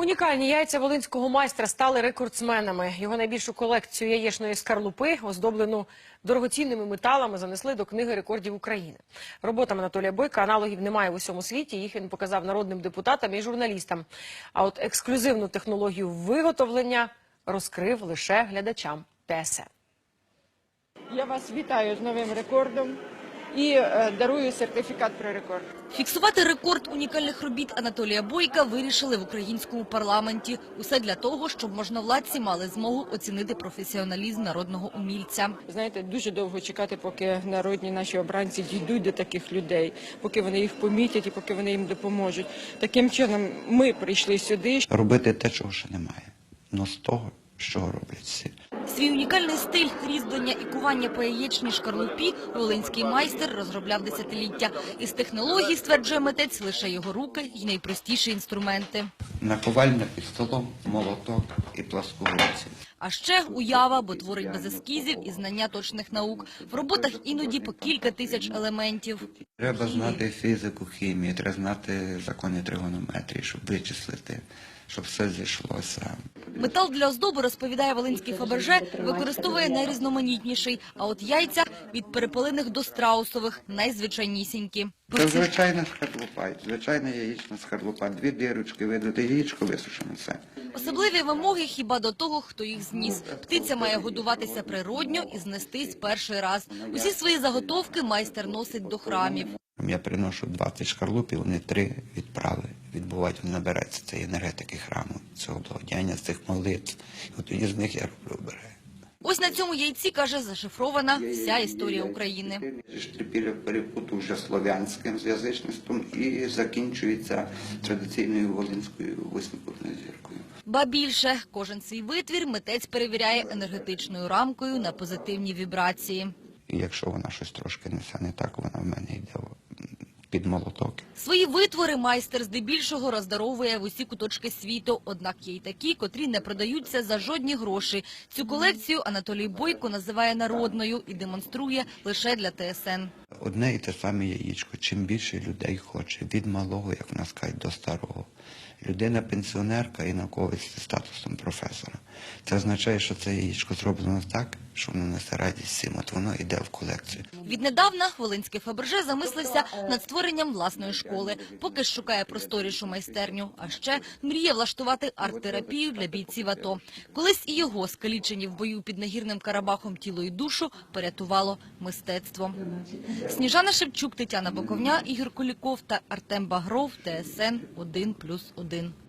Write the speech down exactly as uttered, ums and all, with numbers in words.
Унікальні яйця волинського майстра стали рекордсменами. Його найбільшу колекцію яєчної скарлупи, оздоблену дорогоцінними металами, занесли до книги рекордів України. Роботам Анатолія Бойка аналогів немає в усьому світі. Їх він показав народним депутатам і журналістам. А от ексклюзивну технологію виготовлення розкрив лише глядачам Т С Н. Я вас вітаю з новим рекордом і е, дарую сертифікат про рекорд. Фіксувати рекорд унікальних робіт Анатолія Бойка вирішили в українському парламенті. Усе для того, щоб можновладці мали змогу оцінити професіоналізм народного умільця. Знаєте, дуже довго чекати, поки народні наші обранці дійдуть до таких людей, поки вони їх помітять і поки вони їм допоможуть. Таким чином ми прийшли сюди. Робити те, чого ще немає, но з того, що роблять всі. Свій унікальний стиль різьблення і кування по яєчній шкарлупі волинський майстер розробляв десятиліття. Із технологій, стверджує митець, лише його руки і найпростіші інструменти. Наковальня під столом, молоток і пласкогубці. А ще уява, бо творить без ескізів і знання точних наук. В роботах іноді по кілька тисяч елементів. Треба знати фізику, хімію, треба знати закони тригонометрії, щоб вичислити, щоб все зійшлося. Метал для оздоби, розповідає волинський Фаберже, використовує найрізноманітніший. А от яйця від перепелиних до страусових найзвичайнісінькі. Це звичайна скарлупа, звичайна яєчна скарлупа. Дві дірочки, видати яєчко, висушено все. Особливі вимоги хіба до того, хто їх зніс. Птиця має годуватися природньо і знестись перший раз. Усі свої заготовки майстер носить до храмів. Я приношу двадцять шкарлупів, вони три відправи відбувають, вони набираються цієї енергетики храму, цього благодіяння, з цих молитв. І от тоді з них я роблю обереги. Ось на цьому яйці, каже, зашифрована вся історія України. Штрипіля перепуту вже слов'янським з язичництвом і закінчується традиційною волинською восьмикутною зіркою. Ба більше, кожен свій витвір митець перевіряє енергетичною рамкою на позитивні вібрації. І якщо вона щось трошки несе не так, вона в мене йде під молоток. Свої витвори майстер здебільшого роздаровує в усі куточки світу. Однак є й такі, котрі не продаються за жодні гроші. Цю колекцію Анатолій Бойко називає народною і демонструє лише для Т С Н. Одне і те саме яєчко. Чим більше людей хоче, від малого, як в нас кажуть, до старого. Людина-пенсіонерка і науковець зі статусом професора. Це означає, що це яєчко зроблено так, що воно несе радість всім, от воно йде в колекцію. Віднедавна волинський Фаберже замислився над створенням власної школи. Поки ж шукає просторішу майстерню, а ще мріє влаштувати арт-терапію для бійців АТО. Колись і його, скалічені в бою під Нагірним Карабахом тіло і душу, порятувало мистецтво. Сніжана Шевчук, Тетяна Боковня, Ігор Куліков та Артем Багров, Т С Н один плюс один.